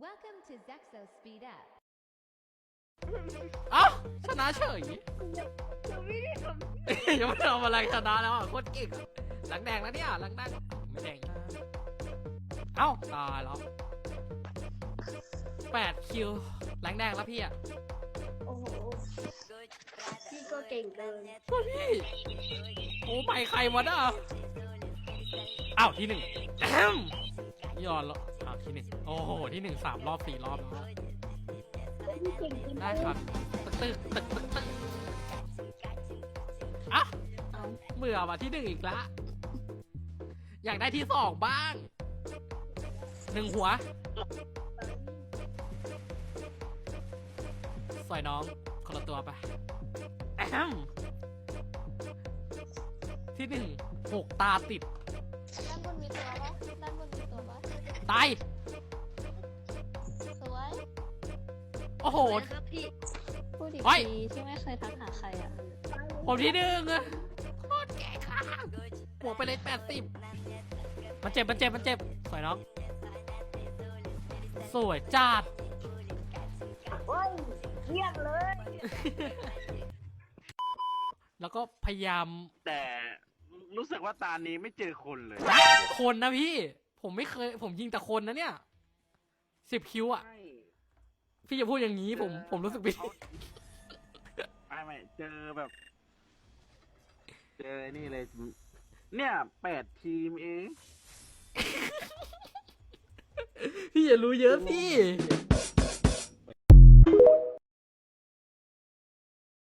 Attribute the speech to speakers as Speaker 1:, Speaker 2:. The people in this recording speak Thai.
Speaker 1: Welcome to Zexo Speed Up.
Speaker 2: เอ้าชนะเฉย
Speaker 3: ยังไม่ได้ท
Speaker 2: ยังไม่ได้ทำอะไรชนะแล้วอ่ะโคตรเก่งหลังแดงแล้วเนี่ยหลังแดงไม่แดงเอ้าตายแล้ว8 คิวหลังแดงแล้วพี่อ่ะ
Speaker 3: ำโอ้โหพี่ก็เก่งเกิน
Speaker 2: ก็พี่โอ้ไปใครวะน่ะอ้าวที่1แอมยอนแล้วอ้าวที่1โอ้โหที่1 3 รอบ 4 รอบแล้ว
Speaker 3: พี่เก่งเกิน
Speaker 2: ได้ครับตึกอ่ะเบื่อว่ะที่1อีกละอยากได้ที่2บ้าง1 หัวสอยน้องคนละตัวไปแอมที่6 ตาติด
Speaker 4: ด้านบนมีตัวปะด้านบนมีตัวปะ
Speaker 2: ตาย
Speaker 4: สวย
Speaker 2: โอ้โห
Speaker 3: ครับพี่
Speaker 4: พูดอีก
Speaker 2: เฮ้ย
Speaker 4: ทีที่ไม่เคยทักหาใครอ่ะ
Speaker 2: ผมที่1อะโคตรแก่ข้างบวกไปเลย80มันเจ็บสวยน้องสวยจัด
Speaker 3: โอ้ยเยี่ยมเลย
Speaker 2: แล้วก็พยายาม
Speaker 5: แต่รู้สึกว่าตานี้ไม่เจอคนเลย
Speaker 2: คนนะพี่ ผมไม่เคย ผมยิงแต่คนนะเนี่ย10 คิวอ่ะ
Speaker 5: ใช่
Speaker 2: พี่จะพูดอย่างนี้ผมรู้สึกผิด
Speaker 5: ไม่เจอแบบ เจอนี่เลย เนี่ย8 ทีมเอง
Speaker 2: พี่อย่ารู้เยอะพี่
Speaker 5: เ